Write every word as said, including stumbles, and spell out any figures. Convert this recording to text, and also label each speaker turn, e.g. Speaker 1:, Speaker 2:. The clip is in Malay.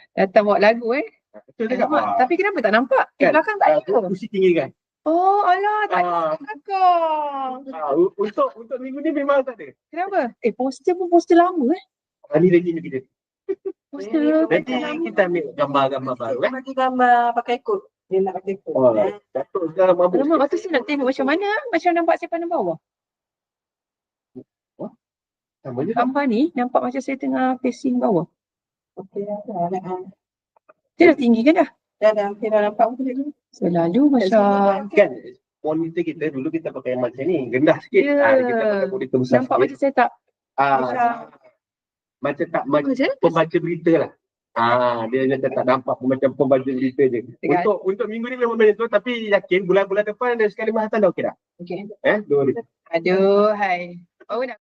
Speaker 1: Datang bawa lagu eh.
Speaker 2: Betul
Speaker 1: Eh,
Speaker 2: tak?
Speaker 1: nampak. Tapi kenapa tak nampak? Eh,
Speaker 2: Kan?
Speaker 1: belakang tak
Speaker 2: Ah,
Speaker 1: ada.
Speaker 2: kursi tinggi kan?
Speaker 1: Oh, alah, tak ada
Speaker 2: Ah.
Speaker 1: belakang.
Speaker 2: Ah, u- untuk untuk minggu ni memang tak ada.
Speaker 1: Kenapa? Eh, poster pun poster lama eh.
Speaker 2: Ah, ni lagi ni kita.
Speaker 1: Poster
Speaker 2: Nanti
Speaker 1: poster lama.
Speaker 2: kita ambil gambar-gambar baru
Speaker 3: Dia
Speaker 2: eh.
Speaker 3: bagi gambar pakai kod. Dia nak pakai kod.
Speaker 2: Oh, Datuk sekarang mabuk.
Speaker 1: Alamak, lepas tu saya nak tengok macam mana. Macam nampak saya pandang bawah.
Speaker 2: Sama je.
Speaker 1: Gambar ni nampak macam saya tengah facing bawah.
Speaker 3: Okey, dah dah.
Speaker 1: Dia dah tinggi kan dah?
Speaker 3: Dah dah, okey dah nampak pun tadi.
Speaker 1: Selalu macam
Speaker 2: Kan monitor kita dulu kita pakai macam ni, rendah sikit.
Speaker 1: Ya.
Speaker 2: Ah, kita pakai monitor besar
Speaker 1: nampak
Speaker 2: sikit.
Speaker 1: macam saya tak
Speaker 2: Ah,
Speaker 1: macam
Speaker 2: macam tak macam
Speaker 1: macam
Speaker 2: pembaca berita lah. Ah, dia macam tak nampak macam pembaca berita je.
Speaker 1: Dekat.
Speaker 2: Untuk untuk minggu ni memang macam tu, tapi yakin bulan-bulan depan dan sekali Mahatan dah okey dah.
Speaker 1: okey.
Speaker 2: Eh, dua hari.
Speaker 1: Aduh, hai. Oh, nak